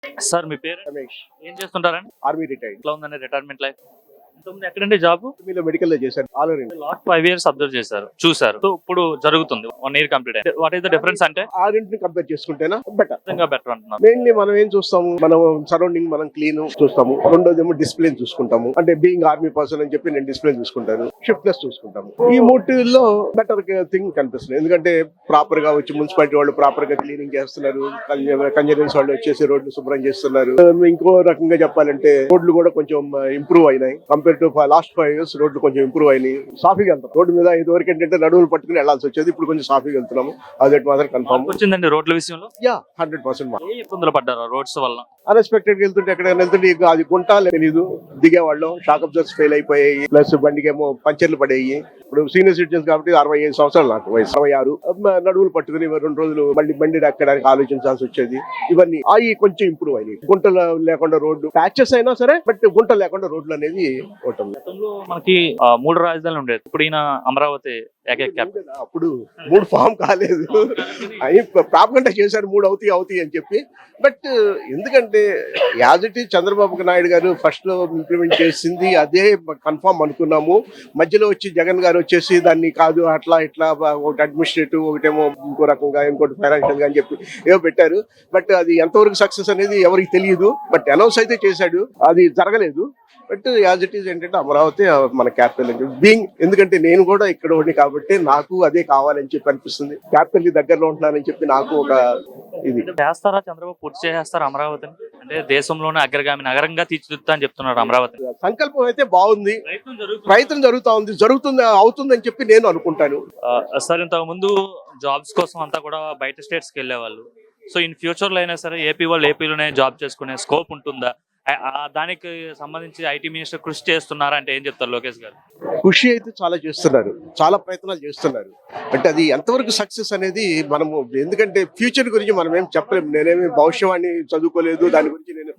Sir మీ పేరు రమేష్. ఏం చేస్తుంటారండి? Army retired. ఎట్లా ఉందండి రిటైర్మెంట్ లైఫ్? ఇంతకుముందు ఎక్కడండి జాబ్? మీలో మెడికల్ లో చేశాను all over India. Last 5 years observe చేశారు, చూసారు. సో ఇప్పుడు జరుగుతుంది 1 year కంప్లీట్ అయింది. వాట్ ఈస్ ద డిఫరెన్స్ అంటే ఆరింటిని కంపేర్ చేసుకుంటేనా బెటర్. నిజంగా బెటర్ అంటున్నారు. మెయిన్లీ మనం ఏం చూస్తాము, మనం సరౌండింగ్ మనం క్లీన్ చూస్తాము. రెండోది ఏమో డిసిప్లిన్ చూసుకుంటాము. అంటే బీయింగ్ ఆర్మీ పర్సన్ అని చెప్పి నేను డిసిప్లిన్ చూసుకుంటాను, షిఫ్ట్నెస్ చూసుకుంటాము. ఈ మూటిల్లో బెటర్ థింగ్ కనిపిస్తుంది. ఎందుకంటే ప్రాపర్ గా వచ్చి మున్సిపాలిటీ వాళ్ళు ప్రాపర్ గా క్లీనింగ్ చేస్తున్నారు, కన్జర్వెన్స్ వాళ్ళు వచ్చేసి రోడ్లు శుభ్రం చేస్తున్నారు. ఇంకో రకంగా చెప్పాలంటే రోడ్లు కూడా కొంచెం ఇంప్రూవ్ అయినాయి కంపేర్ టు లాస్ట్ 5 years. రోడ్లు కొంచెం ఇంప్రూవ్ అయినాయి, సాఫీగా వెళ్తాం. రోడ్డు మీద ఇదివరకు ఏంటంటే నడువులు పట్టుకుని వెళ్లాల్సి వచ్చేది, ఇప్పుడు కొంచెం సాఫీగా వెళ్తున్నాము. అదొకటి మాత్రం కన్ఫర్మ్ వచ్చిందండి రోడ్ల విషయంలో. యా 100%. ఏ ఇబ్బందులు పడ్డారు రోడ్స్ వల్ల? అన్ఎక్స్పెక్టెడ్ గా వెళ్తుంటే ఎక్కడైనా వెళ్తుంటే ఇక అది గుంట తెలీదు, దిగేవాళ్ళం. షాక్ అబ్జర్వర్స్ ఫెయిల్ అయిపోయాయి, ప్లస్ బండికేమో పంచర్లు పడేయి. ఇప్పుడు సీనియర్ సిటిజన్స్ కాబట్టి 65 సంవత్సరాలు నాకు వయసు, 66. నడువులు పట్టుకుని 2 రోజులు మళ్ళీ బండి ఎక్కడానికి ఆలోచించాల్సి వచ్చేది. ఇవన్నీ అవి కొంచెం ఇంప్రూవ్ అయినాయి. గుంటలు లేకుండా రోడ్డు ప్యాచెస్ అయినా సరే, బట్ గుంట లేకుండా రోడ్లు అనేది ఉంటుంది. గతంలో మనకి 3 రాజధానులు ఉండేది, ఇప్పుడు ఈయన అమరావతి ఏకైక క్యాపిటల్. అప్పుడు 3 ఫామ్ కాలేదు, అవి ప్రాపగండా చేశారు 3 అవుతాయి అని చెప్పి. బట్ ఎందుకంటే as it is Chandrababu Naidu గారు ఫస్ట్ లో ఇంప్లిమెంట్ చేసింది అదే కన్ఫర్మ్ అనుకున్నాము. మధ్యలో వచ్చి జగన్ గారు వచ్చేసి దాన్ని కాదు అట్లా ఇట్లా, ఒకటి అడ్మినిస్ట్రేటివ్, ఒకటేమో ఇంకో రకంగా, ఇంకోటి ఫైనాన్షియల్ గా అని చెప్పి ఏవో పెట్టారు. బట్ అది ఎంతవరకు సక్సెస్ అనేది ఎవరికి తెలియదు. బట్ అనౌన్స్ అయితే చేశాడు, అది జరగలేదు. బట్ యాజ్ ఇట్ ఈజ్ ఏంటంటే అమరావతి మన క్యాపిటల్ అని చెప్పి బీయింగ్, ఎందుకంటే నేను కూడా ఇక్కడ ఉండి కాబట్టి నాకు అదే కావాలని చెప్పి అనిపిస్తుంది. క్యాపిటల్ దగ్గరలో ఉంటున్నానని చెప్పి నాకు ఒక ఇది. చేస్తారా చంద్రబాబు? పూర్తి చేస్తారా అమరావతిని? అంటే దేశంలోనే అగ్రగామి నగరంగా తీర్చిదిద్దుతా అని చెప్తున్నారు అమరావతి. సంకల్పం అయితే బాగుంది, ప్రయత్నం జరుగుతుంది అవుతుంది అని చెప్పి నేను అనుకుంటాను. సార్ ఇంతకు ముందు జాబ్స్ కోసం అంతా కూడా బయట స్టేట్స్ కి వెళ్ళేవాళ్ళు. సో ఇన్ ఫ్యూచర్ లో అయినా సరే ఏపీ వాళ్ళు ఏపీలోనే జాబ్ చేసుకునే స్కోప్ ఉంటుందా? దానికి సంబంధించి ఐటీ మినిస్టర్ కృషి చేస్తున్నారా అంటే ఏం చెప్తారు లోకేష్ గారు? కృషి అయితే చాలా చేస్తున్నారు, చాలా ప్రయత్నాలు చేస్తున్నారు. అంటే అది ఎంతవరకు సక్సెస్ అనేది మనము, ఎందుకంటే ఫ్యూచర్ గురించి మనం ఏం చెప్పలేము. నేనేమి భవిష్యవాణి చదువుకోలేదు, దాని గురించి నేను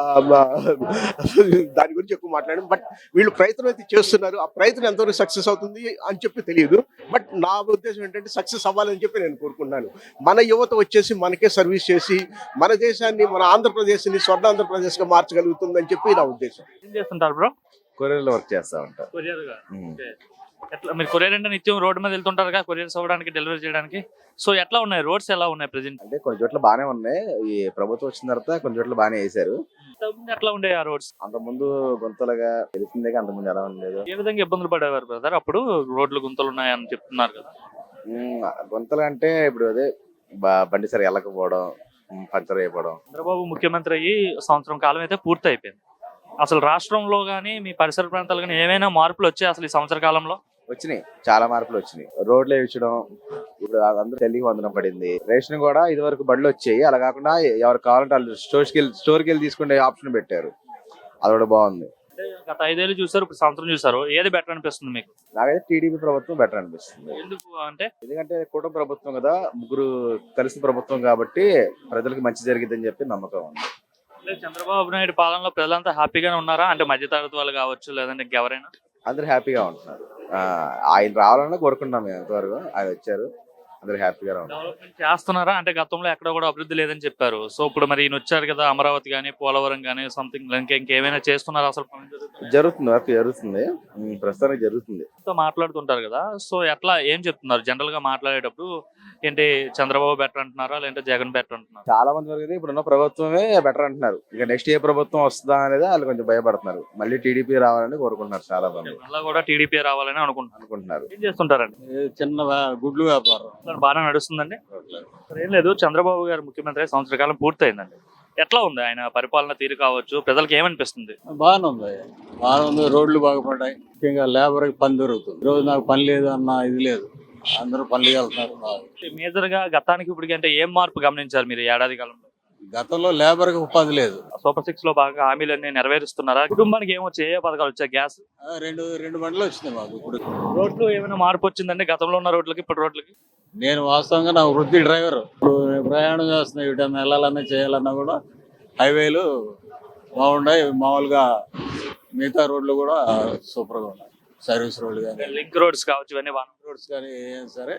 దాని గురించి ఎక్కువ మాట్లాడాను. బట్ వీళ్ళు ప్రయత్నం అయితే చేస్తున్నారు. ఆ ప్రయత్నం ఎంతవరకు సక్సెస్ అవుతుంది అని చెప్పి తెలియదు. బట్ నా ఉద్దేశం ఏంటంటే సక్సెస్ అవ్వాలని చెప్పి నేను కోరుకుంటున్నాను. మన యువత వచ్చేసి మనకే సర్వీస్ చేసి మన దేశాన్ని, మన ఆంధ్రప్రదేశ్ని స్వర్ణాంధ్రప్రదేశ్ గా మార్చగలుగుతుందని చెప్పి నా ఉద్దేశం. ఏం చేస్తుంటారు బ్రో? కొరియర్ లో వర్క్ చేస్తా ఉంటారు. ఎట్లా మీరు కొరియర్ అంటే నిత్యం రోడ్డు మీద వెళ్తుంటారు కదా కొరియర్స్ అవ్వడానికి, డెలివరీ చేయడానికి. సో ఎట్లా ఉన్నాయి రోడ్స్, ఎలా ఉన్నాయి ప్రెజెంట్? అంటే కొన్ని చోట్ల బానే ఉన్నాయి, ఈ ప్రభుత్వం వచ్చిన తర్వాత కొన్ని చోట్ల బానే వేశారు. ఎట్లా ఉండే ఆ రోడ్స్? అంత ముందు గుంతలుగా తెలిసిందే, అంత ముందు ఎలా ఉండలేదు. ఏ విధంగా ఇబ్బందులు పడేవారు బ్రదర్ అప్పుడు? రోడ్లు గుంతలు ఉన్నాయని చెప్తున్నారు కదా. గుంతలు అంటే ఇప్పుడు అదే బండి సరి వెళ్ళకపోవడం, పంచర్ అయిపోవడం. చంద్రబాబు ముఖ్యమంత్రి అయ్యి సంవత్సరం కాలం అయితే పూర్తి అయిపోయింది. అసలు రాష్ట్రంలో గానీ మీ పరిసర ప్రాంతాలు కానీ ఏమైనా మార్పులు వచ్చాయి అసలు ఈ సంవత్సర కాలంలో? వచ్చినాయి, చాలా మార్పులు వచ్చినాయి. రోడ్లు వేయించడం, ఇప్పుడు అందరూ తల్లికి వందనం పడింది. రేషన్ కూడా ఇది వరకు బండ్లు వచ్చాయి, అలా కాకుండా ఎవరు కావాలంటే వాళ్ళు స్టోర్కి వెళ్ళి తీసుకునే ఆప్షన్ పెట్టారు. అది కూడా బాగుంది. గత 5 ఏళ్ళు చూసారు, ఇప్పుడు సంవత్సరం చూసారు, ఏది బెటర్ అనిపిస్తుంది మీకు? నాకైతే టీడీపీ ప్రభుత్వం బెటర్ అనిపిస్తుంది. ఎందుకు అంటే? ఎందుకంటే కూటమి ప్రభుత్వం కదా, ముగ్గురు కలిసి ప్రభుత్వం కాబట్టి ప్రజలకు మంచి జరిగిద్దని చెప్పి నమ్మకం ఉంది. చంద్రబాబు నాయుడు పాలనలో ప్రజలంతా హ్యాపీగానే ఉన్నారా? అంటే మధ్యతరగతి వాళ్ళు కావచ్చు, లేదంటే ఎవరైనా అందరు హ్యాపీగా ఉంటున్నారు. ఆయన రావాలని కోరుకుంటున్నాం మేము. ఎంతవరకు ఆయన వచ్చారు, అందరు హ్యాపీగా ఉన్నారు. డెవలప్మెంట్ చేస్తున్నారా? అంటే గతంలో ఎక్కడ కూడా అభివృద్ధి లేదని చెప్పారు. సో ఇప్పుడు మరి ఈయన వచ్చారు కదా, అమరావతి కానీ పోలవరం కానీ సంథింగ్ ఇంకేమైనా చేస్తున్నారా? అసలు జరుగుతుంది, వర్క్ జరుగుతుంది, ప్రస్తుతానికి జరుగుతుంది. మాట్లాడుతుంటారు కదా, సో ఎట్లా ఏం చెప్తున్నారు జనరల్ గా మాట్లాడేటప్పుడు? ఏంటి చంద్రబాబు బెటర్ అంటున్నారా, లేదంటే జగన్ బెటర్ అంటున్నారు? చాలా మంది వరకు ఇప్పుడున్న ప్రభుత్వమే బెటర్ అంటున్నారు. ఇక నెక్స్ట్ ఏ ప్రభుత్వం వస్తుందా అనేది వాళ్ళు కొంచెం భయపడుతున్నారు. మళ్ళీ టీడీపీ రావాలని కోరుకుంటున్నారు చాలా మంది. మళ్ళీ కూడా టీడీపీ రావాలని అనుకుంటున్నారు. ఏం చేస్తుంటారండి? చిన్న గుడ్లు వ్యాపారం బాగా నడుస్తుందండి. ఏం లేదు, చంద్రబాబు గారు ముఖ్యమంత్రి సంవత్సర కాలం పూర్తయిందండి. ఎట్లా ఉంది ఆయన పరిపాలన తీరు కావచ్చు, ప్రజలకు ఏమనిపిస్తుంది? బాగానే ఉంది. రోడ్లు బాగుపడ్డాయి, ముఖ్యంగా లేబర్ కి పని దొరుకుతుంది. ఈరోజు నాకు పని లేదు అన్న ఇది లేదు, అందరూ పనులు వెళ్తున్నారు. మేజర్ గా గతానికి ఇప్పటికి అంటే ఏం మార్పు గమనించారు మీరు ఏడాది కాలంలో? గతంలో లేబర్ కి ఉపాధి లేదు. సూపర్ 6 లో బాగా హామీలన్నీ నెరవేరుస్తున్నారా? కుటుంబానికి ఏమొచ్చాయి, ఏ పథకాలు వచ్చాయి? గ్యాస్ రెండు బండ్లు వచ్చినాయి మాకు. ఇప్పుడు రోడ్లు ఏమైనా మార్పు వచ్చిందండి గతంలో ఉన్న రోడ్లకి ఇప్పుడు రోడ్లకి? నేను వాస్తవంగా నా వృత్తి డ్రైవర్. ఇప్పుడు ప్రయాణం చేస్తున్నా, ఇటు వెళ్ళాలన్నా చేయాలన్నా కూడా హైవేలు బాగున్నాయి. మామూలుగా మిగతా రోడ్లు కూడా సూపర్ గా ఉన్నాయి. సర్వీస్ రోడ్లు కానీ, లింక్ రోడ్స్ కావచ్చు, ఇవన్నీ రోడ్స్ కానీ ఏం సరే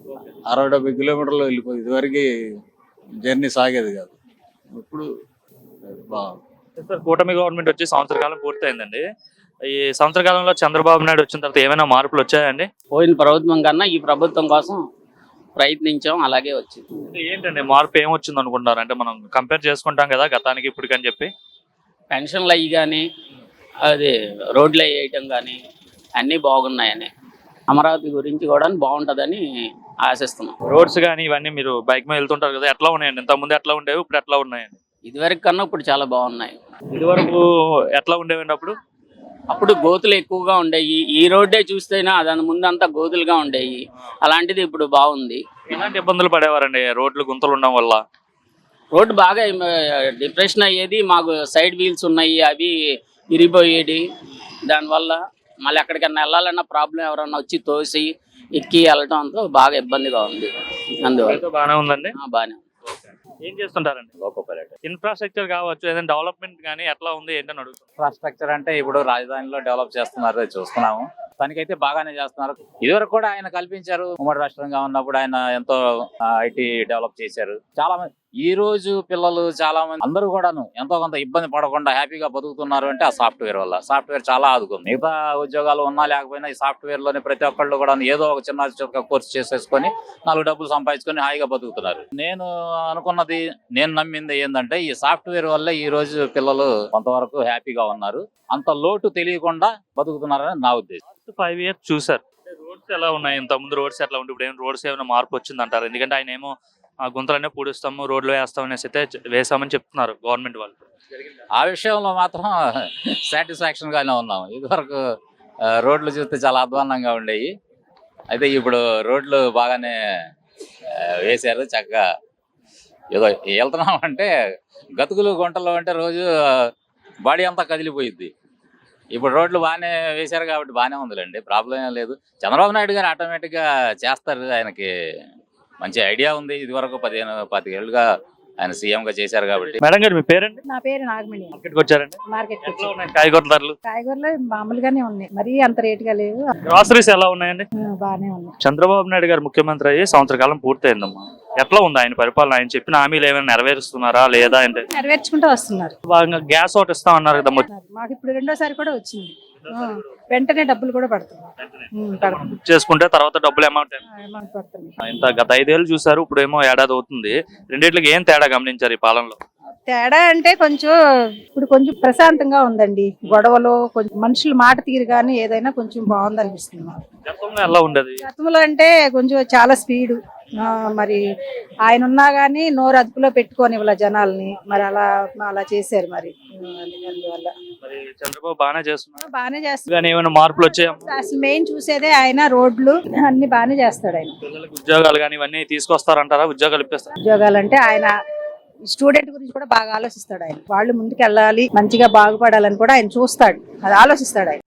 60-70 కిలోమీటర్లు వెళ్ళిపోయి ఇదివరకు జర్నీ సాగేది కాదు. ఇప్పుడు బాగుంది. సార్ కూటమి గవర్నమెంట్ వచ్చి సంవత్సర కాలం పూర్తయిందండి. ఈ సంవత్సర కాలంలో చంద్రబాబు నాయుడు వచ్చిన తర్వాత ఏమైనా మార్పులు వచ్చాయండి? పోయిన ప్రభుత్వం కన్నా ఈ ప్రభుత్వం కోసం ప్రయత్నించాం, అలాగే వచ్చింది. అంటే ఏంటండి మార్పు ఏమొచ్చింది అనుకుంటున్నారు? అంటే మనం కంపేర్ చేసుకుంటాం కదా గతానికి ఇప్పటికని చెప్పి. పెన్షన్లు అయ్యి కానీ అది రోడ్లు వేయటం కానీ అన్నీ బాగున్నాయని, అమరావతి గురించి కూడా బాగుంటుందని ఆశిస్తున్నాం. రోడ్స్ కానీ ఇవన్నీ మీరు బైక్ మీద వెళ్తుంటారు కదా, ఎట్లా ఉన్నాయండి? ఇంతకుముందు ఎట్లా ఉండేవి, ఇప్పుడు ఎట్లా ఉన్నాయండి? ఇదివరకు కన్నా ఇప్పుడు చాలా బాగున్నాయి. ఇదివరకు ఎట్లా ఉండేవండి అప్పుడు? అప్పుడు గోతులు ఎక్కువగా ఉండేవి. ఈ రోడ్డే చూస్తేనే దాని ముందంతా గోతులుగా ఉండేవి. అలాంటిది ఇప్పుడు బాగుంది. ఎలాంటి ఇబ్బందులు పడేవారండి రోడ్లు గుంతలు ఉండడం వల్ల? రోడ్డు బాగా డిప్రెషన్ అయ్యేది. మాకు సైడ్ వీల్స్ ఉన్నాయి, అవి ఇరిగిపోయేది. దానివల్ల మళ్ళీ ఎక్కడికన్నా వెళ్ళాలన్న ప్రాబ్లం, ఎవరన్నా వచ్చి తోసి ఎక్కి వెళ్ళటంతో బాగా ఇబ్బందిగా ఉంది. అందువల్ల బాగానే ఉందండి. బాగానే. ఏం చేస్తుంటారండి? ఇన్ఫ్రాస్ట్రక్చర్ కావచ్చు, ఏదైనా డెవలప్మెంట్ కానీ ఎట్లా ఉంది ఏంటని అడుగుతాం. ఇన్ఫ్రాస్ట్రక్చర్ అంటే ఇప్పుడు రాజధానిలో డెవలప్ చేస్తున్నారు, అది చూస్తున్నాము. దానికైతే బాగానే చేస్తున్నారు. ఇదివరకు కూడా ఆయన కల్పించారు. ఉమ్మడి రాష్ట్రంగా ఉన్నప్పుడు ఆయన ఎంతో ఐటీ డెవలప్ చేశారు. చాలా మంది ఈ రోజు పిల్లలు చాలా మంది అందరూ కూడాను ఎంతో కొంత ఇబ్బంది పడకుండా హ్యాపీగా బతుకుతున్నారు అంటే ఆ సాఫ్ట్వేర్ వల్ల. సాఫ్ట్వేర్ చాలా ఆదుకుంది. మిగతా ఉద్యోగాలు ఉన్నా లేకపోయినా ఈ సాఫ్ట్వేర్ లోనే ప్రతి ఒక్కళ్ళు కూడా ఏదో ఒక చిన్న కోర్స్ చేసేసుకొని 4 డబ్బులు సంపాదించుకొని హాయిగా బతుకుతున్నారు. నేను అనుకున్నది, నేను నమ్మింది ఏంటంటే ఈ సాఫ్ట్వేర్ వల్ల ఈ రోజు పిల్లలు కొంతవరకు హ్యాపీగా ఉన్నారు. అంత లోటు తెలియకుండా బతుకుతున్నారని నా ఉద్దేశం. 5 years చూసారు. రోడ్స్ ఎలా ఉన్నాయి? ఇంత ముందు రోడ్స్ ఎట్లా ఉంటే ఇప్పుడు ఏమైనా రోడ్స్ ఏమైనా మార్పు వచ్చింది అంటారు? ఎందుకంటే ఆయన ఏమో గుంతలనే పూడుస్తాము, రోడ్లు వేస్తాం అనేసి అయితే వేసామని చెప్తున్నారు గవర్నమెంట్ వాళ్ళు. ఆ విషయంలో మాత్రం సాటిస్ఫాక్షన్ గానే ఉన్నాము. ఇదివరకు రోడ్లు చూస్తే చాలా అధ్వాన్నంగా ఉండేవి. అయితే ఇప్పుడు రోడ్లు బాగానే వేశారు. చక్కగా ఏదో వెళ్తున్నాం అంటే గతుకులు గుంటలు అంటే రోజు బాడీ అంతా కదిలిపోయిద్ది. ఇప్పుడు రోడ్లు బాగానే వేశారు కాబట్టి బాగానే ఉందిలేండి, ప్రాబ్లం ఏం లేదు. చంద్రబాబు నాయుడు గారు ఆటోమేటిక్గా చేస్తారు. ఆయనకి మంచి ఐడియా ఉంది. ఇది వరకు 15-20 ఏళ్ళుగా ఆయన సీఎం గా చేశారు కాబట్టి. మేడం గారు మీ పేరండి? నా పేరు నాగమణి. మార్కెట్కి వచ్చారండి? మార్కెట్ ఎట్లా ఉన్నాయి కాయగూరల ధరలు? కాయగూరలు మామూలుగానే ఉన్నాయి, మరీ అంత రేటుగా లేవు. గ్రాసరీస్ ఎలా ఉన్నాయండి? బాగానే ఉన్నాయి. చంద్రబాబు నాయుడు గారు ముఖ్యమంత్రి అయ్యి సంవత్సర కాలం పూర్తయిందమ్మా. ఎట్లా ఉంది ఆయన పరిపాలన? ఆయన చెప్పిన హామీలు ఏమైనా నెరవేరుస్తున్నారా లేదా? అంటే నెరవేర్చుకుంటూ వస్తున్నారు. బాగా గ్యాస్ ఒకటి ఇస్తా ఉన్నారు కదా, మాకు ఇప్పుడు 2వ సారి కూడా వచ్చింది. వెంటనే డబ్బులు కూడా పడుతుంది. బుక్ చేసుకుంటే తర్వాత డబ్బులు అమౌంట్ అమౌంట్ పడుతుంది. ఇంత గత 5 ఏళ్ళు చూసారు, ఇప్పుడు ఏమో ఏడాది అవుతుంది. రెండిట్లకి ఏం తేడా గమనించారు ఈ పాలనలో? తేడా అంటే ఇప్పుడు కొంచెం ప్రశాంతంగా ఉందండి. గొడవలు కొంచెం మనుషులు మాట తీరు కానీ ఏదైనా కొంచెం బాగుంది అనిపిస్తుంది. గతంలో ఎలా ఉండదు? గతంలో అంటే కొంచెం చాలా స్పీడు. మరి ఆయన ఉన్నా గానీ నోరు అదుపులో పెట్టుకొని ఇవ్వాల జనాల్ని. మరి అలా చేశారు. మరి అందువల్ల మరి చంద్రబాబు బాగానే చేస్తున్నారు. బాగానే చేస్తారు. కానీ ఏమైనా మార్పులు వచ్చాయి? అసలు మెయిన్ చూసేదే ఆయన రోడ్లు అన్ని బాగానే చేస్తాడు. ఆయన పిల్లలకు ఉద్యోగాలు కానీ ఇవన్నీ తీసుకొస్తారంటారా? ఉద్యోగాలు ఇప్పిస్తారు. ఉద్యోగాలు అంటే ఆయన స్టూడెంట్ గురించి కూడా బాగా ఆలోచిస్తాడు. ఆయన వాళ్ళు ముందుకు వెళ్ళాలి, మంచిగా బాగుపడాలని కూడా ఆయన చూస్తాడు, అది ఆలోచిస్తాడు ఆయన.